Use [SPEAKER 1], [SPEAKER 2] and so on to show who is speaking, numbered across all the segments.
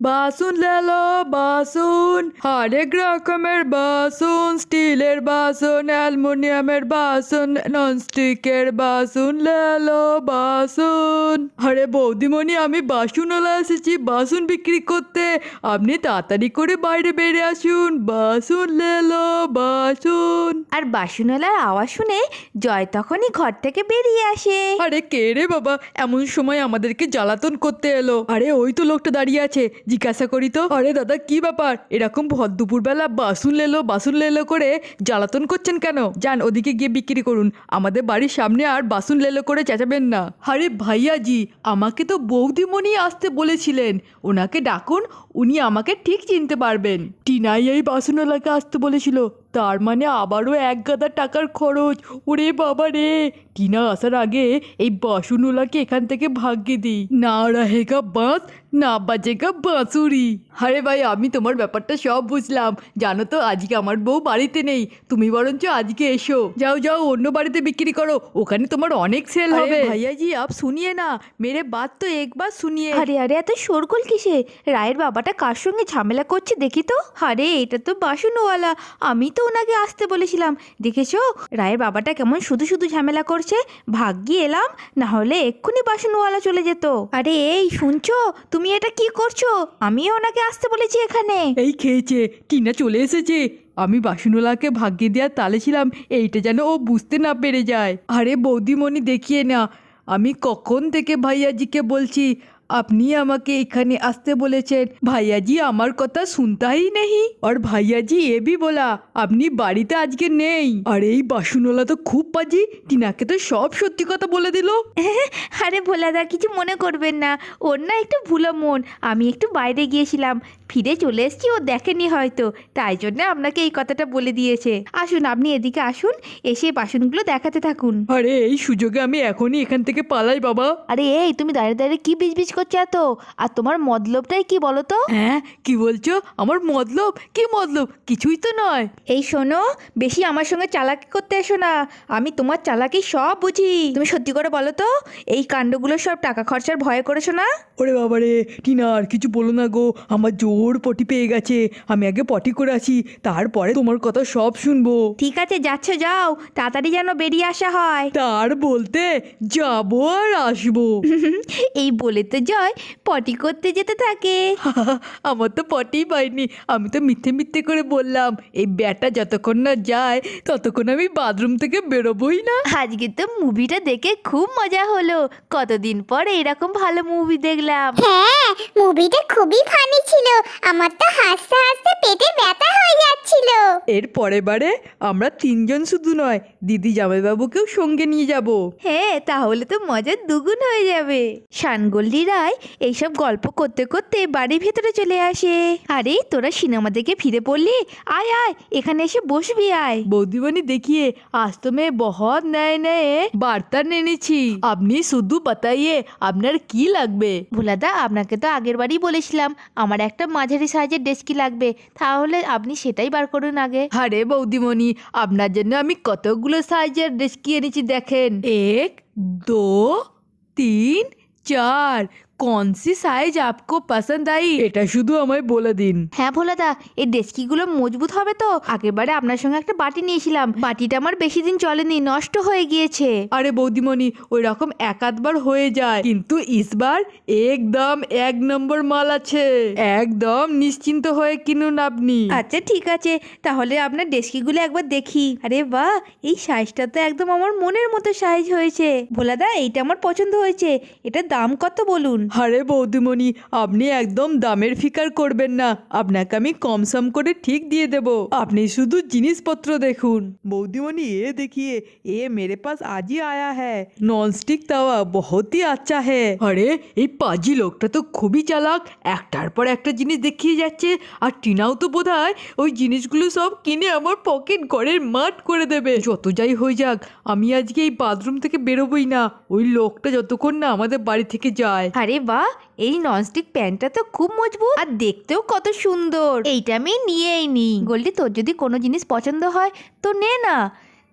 [SPEAKER 1] বাসন লেলো বাসন, হরেক রকমের বাসন, স্টিলের বাসন, অ্যালুমিনিয়ামের বাসন, ননস্টিকের বাসন লেলো বাসন। আরে বৌদিমণি, আমি বাসনওয়ালা এসেছি বাসন বিক্রি করতে, আপনি তাড়াতাড়ি করে বাইরে বেরিয়ে আসুন। বাসন লেলো বাসন।
[SPEAKER 2] আর বাসনওয়ালার আওয়াজ শুনে জয় তখনই ঘর থেকে বেরিয়ে আসে।
[SPEAKER 1] আরে কে রে বাবা, এমন সময় আমাদেরকে জ্বালাতন করতে এলো? আরে ওই তো লোকটা দাঁড়িয়ে আছে, জিজ্ঞাসা করি তো। আরে দাদা, কি ব্যাপার? এরকম ভর দুপুরবেলা বাসন লেলো করে জ্বালাতন করছেন কেন? যান ওদিকে গিয়ে বিক্রি করুন, আমাদের বাড়ির সামনে আর বাসন লেলো করে চেঁচাবেন না। আরে ভাইয়াজি, আমাকে তো বৌদিমণি আসতে বলেছিলেন, ওনাকে ডাকুন, উনি আমাকে ঠিক চিনতে পারবেন। টিনাই এই বাসনওয়ালাকে আসতে বলেছিল, তার মানে আবারও এক গাদা টাকার খরচ। ওরে বাবা রে, টিনা আসার আগে এই বাসনওয়ালাকে এখান থেকে ভাগিয়ে দিই। না রাহেগা বাঁশ, না বাজেগা বাঁশুরি। আরে ভাই, আমি তোমার ব্যাপারটা সব বুঝলাম। জানো তো, আজকে আমার বউ বাড়িতে নেই, তুমি বরঞ্চ আজকে এসো। যাও যাও, অন্য বাড়িতে বিক্রি করো, ওখানে তোমার অনেক সেল হবে। ভাইয়াজি আপ শুনিয়ে না, মেরে বাত তো একবার শুনিয়ে।
[SPEAKER 2] আরে আরে, এত শোরগোল কিসে? রায়ের বাবাটা কার সঙ্গে ঝামেলা করছে দেখি তো। আরে এটা তো বাসনওয়ালা, আমি তো ওনাকে আসতে বলেছিলাম। দেখেছো রায়ের বাবাটা কেমন শুধু শুধু ঝামেলা করছে? ভাগ্যি এলাম, না হলে এক্ষুনি বাসনওয়ালা চলে যেত। আরে এই শুনছো, তুমি এটা কি করছো? আমিও ওনাকে আসতে বলেছি এখানে।
[SPEAKER 1] এই খেয়েছে, টিনা চলে এসেছে। আমি বাসনওয়ালাকে ভাগ্যে দেওয়ার তালে ছিলাম, এইটা যেন ও বুঝতে না পেরে যায়। আরে বৌদিমণি দেখিয়ে না, আমি কখন থেকে ভাইয়াজিকে বলছি আপনি আমাকে এখানে আসতে বলেছেন, ভাইয়াজি আমার কথা শুনতা ही नहीं। और ভাইয়াজি এ भी बोला আপনি বাড়িতে আজকে নেই। আর এই বাসনওয়ালা তো খুব পাজি, টিনাকে তো সব সত্যি কথা বলে দিল।
[SPEAKER 2] আরে ভোলাদা, কিছু মনে করবেন না, ওর না একটু ভুলো মন। আমি একটু বাইরে গিয়েছিলাম, ফিরে চলে এসেছি, ও দেখেনি হয়তো, তাই জন্য আপনাকে এই কথাটা বলে দিয়েছে। আসুন আপনি এদিকে আসুন, এসে বাসনগুলো দেখাতে থাকুন।
[SPEAKER 1] আরে এই সুযোগে আমি এখনই এখান থেকে পালাই বাবা।
[SPEAKER 2] আরে এই তুমি দাঁড়িয়ে দাঁড়িয়ে কি বিজবিজ করছো এত? আর তোমার মতলবটাই কি বলো তো?
[SPEAKER 1] হ্যাঁ, কি বলছো? আমার মতলব? কি মতলব? কিছুই তো নয়।
[SPEAKER 2] এই শোনো, বেশি আমার সঙ্গে চালাকি করতে এসো না, আমি তোমার চালাকি সব বুঝি। তুমি সত্যি করে বলো তো, এই কাণ্ডগুলো সব টাকা খরচার ভয়ে করেছো না?
[SPEAKER 1] ওরে বাবারে, টিনা আর কিছু বলো না গো, আমার জোর পটি পেয়ে গেছে, আমি আগে পটি করে আসি, তারপরে তোমার কথা সব শুনবো।
[SPEAKER 2] ঠিক আছে, যাচ্ছ যাও, তাড়াতাড়ি যেন বেরিয়ে আসা হয়।
[SPEAKER 1] তার বলতে যাবো আর আসবো।
[SPEAKER 2] এই বলে তো জয় পটি করতে যেতে থাকে।
[SPEAKER 1] আমার তো পটি পাইনি, আমি তো মিথ্যে মিথ্যে করে বললাম এই ব্যাটা যতক্ষণ না যায় ততক্ষণ আমি বাথরুম থেকে বেরোবই না।
[SPEAKER 2] আজকে তো মুভিটা দেখে খুব মজা হলো, কতদিন পর এরকম ভালো মুভি দেখলাম।
[SPEAKER 3] হ্যাঁ, মুভিটা খুবই ফানি ছিল, আমার তো হাসতে হাসতে পেটে ব্যথা হয়ে যাচ্ছিল।
[SPEAKER 1] এর পরের বারে আমরা তিনজন শুধু নয়, দিদি জামাইবাবুকেও সঙ্গে নিয়ে যাব।
[SPEAKER 2] হ্যাঁ, তাহলে তো মজা দুগুণ হয়ে যাবে। শানগোল্ডি রায় এইসব গল্প করতে করতে বাড়ির ভেতরে চলে আসে। আরে তোরা সিনেমা দেখে ফিরে পড়লি? আয় আয়, এখানে এসে বসবি আয়।
[SPEAKER 1] বৌদিমণি দেখিয়ে आज तो मैं बहुत नए नए বার্তা এনেছি, আপনি শুধু বাতাইয়ে আপনার কি লাগবে।
[SPEAKER 2] ভোলাদা, আপনাকে তো আগের বারই বলেছিলাম আমার একটা মাঝারি সাইজের ডেস্কি লাগবে, তাহলে আপনি সেটাই বার করুন আগে।
[SPEAKER 1] আরে বৌদিমণি, আপনার জন্য আমি কতগুলো সাইজের ডেস্কি এনেছি দেখেন, 1 2 3 4। कौन सी साइज आपको पसंद आई এটা শুধু আমায় বলে দিন।
[SPEAKER 2] হ্যাঁ ভোলাদা, এই ডেস্কিগুলো মজবুত হবে তো? আগেরবারে আপনার সঙ্গে একটা বাটি নিয়েছিলাম, বাটিটা আমার বেশি দিন চলেনি, নষ্ট হয়ে গিয়েছে।
[SPEAKER 1] আরে বৌদিমণি, ওই রকম এক আধবার হয়ে যায়, কিন্তু ইসবার একদম এক নম্বর মাল আছে, একদম নিশ্চিন্ত হয়ে কিনুন আপনি।
[SPEAKER 2] আচ্ছা ঠিক আছে, তাহলে আপনার ডেস্কিগুলো একবার দেখি। আরে বাহ, এই সাইজটা তো একদম আমার মনের মতো সাইজ হয়েছে। ভোলাদা, এইটা আমার পছন্দ হয়েছে, এটার দাম কত বলুন?
[SPEAKER 1] আরে বৌদিমণি, আপনি একদম দামের ফিকার করবেন না, আপনাকে আমি কম সম করে ঠিক দিয়ে দেব, আপনি শুধু জিনিসপত্র দেখুন। বৌদিমণি ये देखिए, ये मेरे पास आज ही आया है, নন স্টিক তাওয়া बहुत ही अच्छा है। আরে এই পাজি লোকটা তো খুবই চালাক, একটার পর একটা জিনিস দেখিয়ে যাচ্ছে, আর টিনাও তো বোধহয় ওই জিনিসগুলো সব কিনে আমার পকেট ঘরের মাঠ করে দেবে। যত যাই হয়ে যাক, আমি আজকে এই বাথরুম থেকে বেরোবই না, ওই লোকটা যতক্ষণ না আমাদের বাড়ি থেকে যায়।
[SPEAKER 2] আরে বাহ, এই ননস্টিক প্যানটা তো খুব মজবুত আর দেখতেও কত সুন্দর, এইটা আমি নিয়েই নি। গোল্ডি, তোর যদি কোনো জিনিস পছন্দ হয় তো নে না,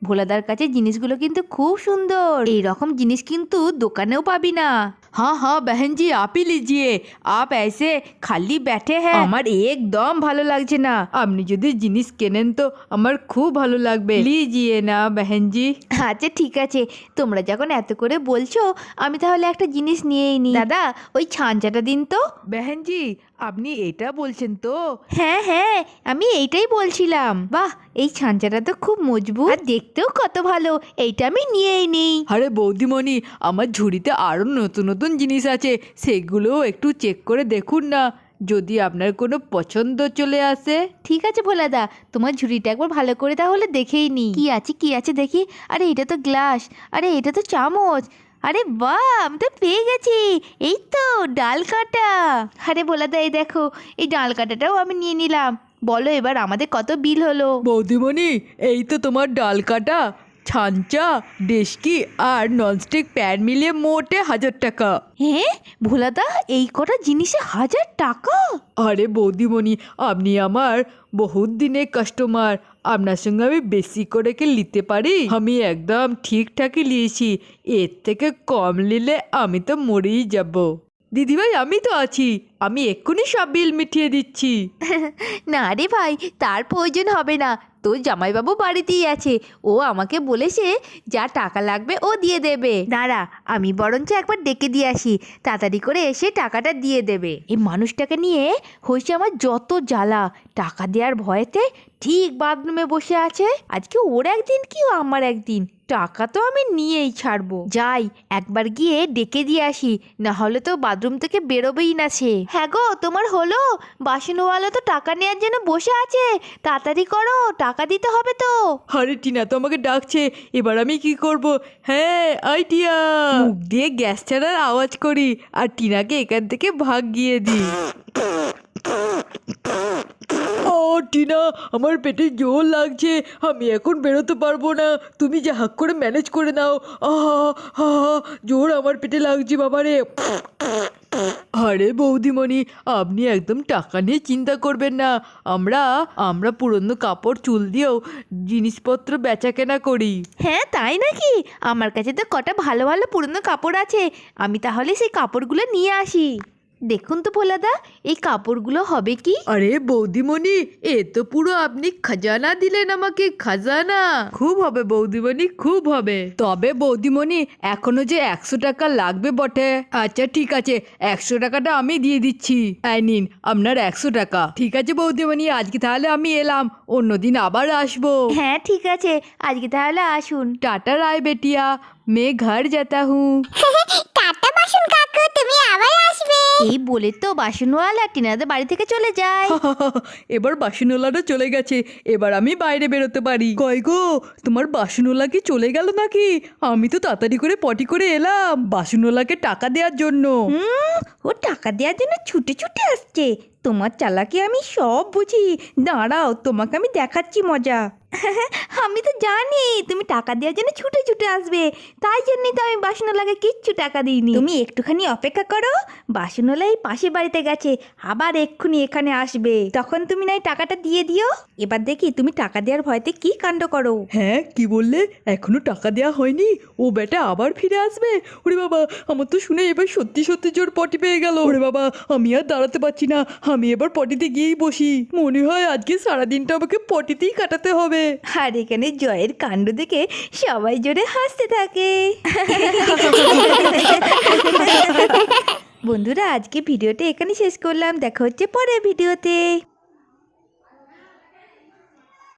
[SPEAKER 2] ভোলাদার কাছে জিনিসগুলো কিন্তু খুব সুন্দর, এই রকম জিনিস কিন্তু দোকানেও পাবি না।
[SPEAKER 1] हाँ हाँ बहन जी आप ही लीजिए।
[SPEAKER 2] आप ऐसे খালি बैठे हैं, আমার একদম ভালো লাগছে না।
[SPEAKER 1] আপনি যদি জিনিস কেনেন তো আমার খুব ভালো লাগবে, লিজিয়ে না बहन जी।
[SPEAKER 2] আচ্ছা ঠিক আছে, তোমরা যখন এত করে বলছো আমি তাহলে একটা জিনিস নিয়েই নি। দাদা ওই ছাঞ্চাটা দিন তো।
[SPEAKER 1] बहन जी আপনি এটা বলছেন তো?
[SPEAKER 2] হ্যাঁ হ্যাঁ, আমি এইটাই বলছিলাম। বাহ, এই ছাঞ্চাটা তো খুব মজবুত আর দেখতেও কত ভালো, এইটা আমি নিয়েই নিই।
[SPEAKER 1] আরে বৌদিমণি আমার ঝুড়িতে আরও নতুন নতুন জিনিস আছে, সেগুলোও একটু চেক করে দেখুন না, যদি আপনার কোনো পছন্দ চলে আসে।
[SPEAKER 2] ঠিক আছে ভোলাদা, তোমার ঝুড়িটা একবার ভালো করে তাহলে দেখেই নি কি আছে দেখি। আরে এটা তো গ্লাস, আরে এটা তো চামচ, আরে বাহ আমি তো পেয়ে গেছি, এই তো ডাল কাটা। আরে ভোলাদা এই দেখো, এই ডাল কাটাটাও আমি নিয়ে নিলাম। বলো এবার আমাদের কত বিল হলো?
[SPEAKER 1] বৌদিমণি এই তো তোমার ডাল কাটা, ছাঞ্চা, ডেস্কি আর ননস্টিক প্যান মিলিয়ে মোটে 1000 টাকা।
[SPEAKER 2] হ্যাঁ ভোলাদা, এই কটা জিনিসে 1000 টাকা?
[SPEAKER 1] আরে বৌদিমণি আপনি আমার বহুত দিনের কাস্টমার, আপনার সঙ্গে আমি বেশি করে কি নিতে পারি? আমি একদম ঠিকঠাকই নিয়েছি, এর থেকে কম নিলে আমি তো মরেই যাব। দিদিভাই আমি তো আছি, আমি এক্ষুনি সব বিল মিটিয়ে দিচ্ছি।
[SPEAKER 2] না রে ভাই, তার প্রয়োজন হবে না, তোর জামাইবাবু বাড়িতেই আছে, ও আমাকে বলেছে যা টাকা লাগবে ও দিয়ে দেবে। দাঁড়া, আমি বরঞ্চ একবার ডেকে দিয়ে আসি, তাড়াতাড়ি করে এসে টাকাটা দিয়ে দেবে। এই মানুষটাকে নিয়ে হয়েছে আমার যত জ্বালা, টাকা দেওয়ার ভয়েতে ঠিক বাথরুমে বসে আছে। আজকে ওর একদিন কি আমার একদিন, টাকা তো আমি নিয়েই ছাড়বো। যাই একবার গিয়ে ডেকে দিয়ে আসি, না হলে তো বাথরুম থেকে বেরোবেই না সে। হ্যাঁ গো, তোমার হলো? বাসনওয়ালা তো টাকা নেওয়ার জন্য বসে আছে, তাড়াতাড়ি করো, টাকা দিতে হবে তো।
[SPEAKER 1] আরে টিনা তো আমাকে ডাকছে, এবার আমি কি করব? হ্যাঁ আইডিয়া, মুখ দিয়ে গ্যাস ছাড়ার আওয়াজ করি আর টিনাকে এখান থেকে ভাগিয়ে দিই। ও টিনা আমার পেটে জোর লাগছে, আমি এখন বেরোতে পারবো না, তুমি যা হাক করে ম্যানেজ করে নাও। আহা হা জোর আমার পেটে লাগছে বাবারে। আরে বৌদিমণি আপনি একদম টাকা নিয়ে চিন্তা করবেন না, আমরা পুরনো কাপড় চুল দিয়েও জিনিসপত্র বেচা কেনা করি।
[SPEAKER 2] হ্যাঁ তাই নাকি? আমার কাছে তো কটা ভালো ভালো পুরনো কাপড় আছে, আমি তাহলে সেই কাপড়গুলো নিয়ে আসি। দেখুন তো ভোলাদা, এই কাপড়গুলো হবে কি?
[SPEAKER 1] আরে বৌদিমণি এ তো পুরো আপনি খাজানা দিলেন আমাকে, খাজানা। খুব হবে বৌদিমণি খুব হবে। তবে বৌদিমণি এখনো যে 100 টাকা লাগবে বটে। আচ্ছা ঠিক আছে, 100 টাকাটা আমি দিয়ে দিচ্ছি, এই নিন আপনার 100 টাকা। ঠিক আছে বৌদিমণি আজকে তাহলে আমি এলাম, অন্যদিন আবার আসবো।
[SPEAKER 2] হ্যাঁ ঠিক আছে, আজকে তাহলে আসুন।
[SPEAKER 1] টাটা রায় বেটিয়া, मैं घर जाता हूँ।
[SPEAKER 3] টাটা বাসন কাকু, তুমি আবার আসবে।
[SPEAKER 2] এই বলে তো বাসনওয়ালা টিনাদের বাড়ি থেকে চলে যায়।
[SPEAKER 1] এবার বাসনওয়ালাটা চলে গেছে, এবার আমি বাইরে বেরোতে পারি। কই গো তোমার বাসনওয়ালা কি চলে গেল নাকি? আমি তো তাড়াতাড়ি করে পটি করে এলাম বাসনওয়ালাকে টাকা দেওয়ার জন্য।
[SPEAKER 2] ও টাকা দেওয়ার জন্য ছুটে ছুটে আসছে, তোমার চালাকি আমি সব বুঝি। দাঁড়াও, তোমাকে আমি দেখাচ্ছি মজা। আমি তো জানি তুমি টাকা দেওয়ার জন্য ছুটে ছুটে আসবে, তাই জন্যই তো আমি বাসনওয়ালাকে কিচ্ছু টাকা দিইনি। তুমি একটুখানি অপেক্ষা করো, বাসনওয়ালা এই পাশের বাড়িতে গেছে, আবার এক্ষুনি এখানে আসবে, তখন তুমি নাই টাকাটা দিয়ে দিও। এবার দেখি তুমি টাকা দেওয়ার ভয়তে কি কাণ্ড করো।
[SPEAKER 1] হ্যাঁ কি বললে? এখনো টাকা দেওয়া হয়নি? ও বেটা আবার ফিরে আসবে? ওরে বাবা, আমার তো শুনে এবার সত্যি সত্যি জোর পটি পেয়ে গেল। ওরে বাবা, আমি আর দাঁড়াতে পারছি না, আমি এবার পটিতে গিয়েই বসি। মনে হয় আজকে সারাদিনটা আমাকে পটিতেই কাটাতে হবে।
[SPEAKER 2] আর এখানে জয়ের কাণ্ড দেখে সবাই জোরে হাসতে থাকে। বন্ধুরা আজকে ভিডিওটা এখানে শেষ করলাম, দেখা হচ্ছে পরের ভিডিওতে।